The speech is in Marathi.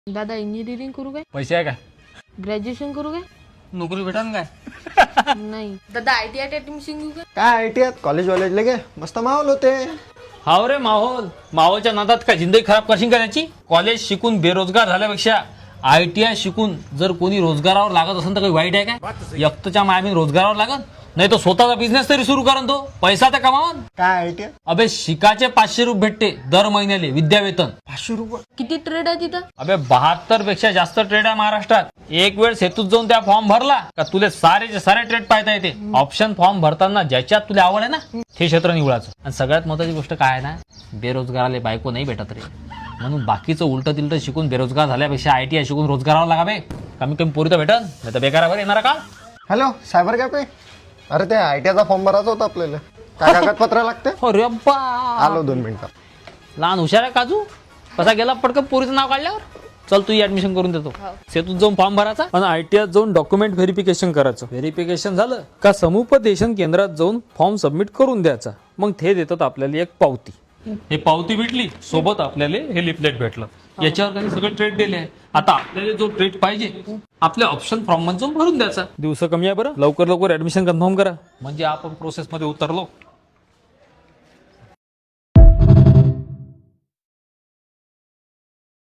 दादा इंजिनिअरिंग करू काय? पैसे आहे काय? ग्रॅज्युएशन करू काय? नोकरी भेटा ना काय? नाही. दादा ITI ऍडमिशन घेऊ काय? काय ITI कॉलेज वॉलेजला गे मस्त माहोल होते. हाव रे माहोलच्या नादात काय जिंदगी खराब करशील का त्याची? कॉलेज शिकून बेरोजगार झाल्यापेक्षा ITI शिकून जर कोणी रोजगारावर लागत असेल तर काही वाईट आहे काय? एकटच्या मायाबीन रोजगारावर लागत नाही तर स्वतःचा बिझनेस तरी सुरू करण तो पैसा तर कमावन. काय ITI अबे शिकाचे 500 रुपये भेटते दर महिन्याले विद्यावेतन. 500 रुपये? किती ट्रेड आहे तिथं? अबे 72 पेक्षा जास्त ट्रेड आहे महाराष्ट्रात. एक वेळ सेतूत जाऊन त्या फॉर्म भरला का तुले सारे ट्रेड पाहता येते. ऑप्शन फॉर्म भरताना ज्याच्यात तुला आवड आहे ना ते क्षेत्र निवडायचं. आणि सगळ्यात महत्वाची गोष्ट काय आहे ना, बेरोजगाराले बायको नाही भेटत रे. म्हणून बाकीचं उलट तिलट शिकून बेरोजगार झाल्यापेक्षा ITI शिकून रोजगारावर लागा बे. कमी कमी पोरी तर भेटन नाही तर बेकारावर येणार का? Hello cyber cafe. अरे ते ITIचा फॉर्म भरायचा होता आपल्याला. काय कागदपत्र लागते? अरे बा आलो 2 मिनिटात. लहान हुशार आहे काजू. कसा गेला पटकन पोरीचं नाव काढल्यावर. चल तू ऍडमिशन करून देतो. सेतूत जाऊन फॉर्म भरायचा आणि ITI जाऊन डॉक्युमेंट व्हेरिफिकेशन करायचं. व्हेरिफिकेशन झालं का समुपदेशन केंद्रात जाऊन फॉर्म सबमिट करून द्यायचा. मग ते देतात आपल्याला एक पावती. हे पावती भेटली सोबत आपल्याला हे लिफलेट भेटलं. याच्यावर काही सगळं ट्रेड दिले आहे. आता आपल्याला जो ट्रेड पाहिजे आपल्या ऑप्शन फॉर्म मध्ये जाऊन भरून द्यायचा. दिवस कमी आहे बरं. लवकर ऍडमिशन कन्फर्म करा म्हणजे आपण प्रोसेस मध्ये उतरलो.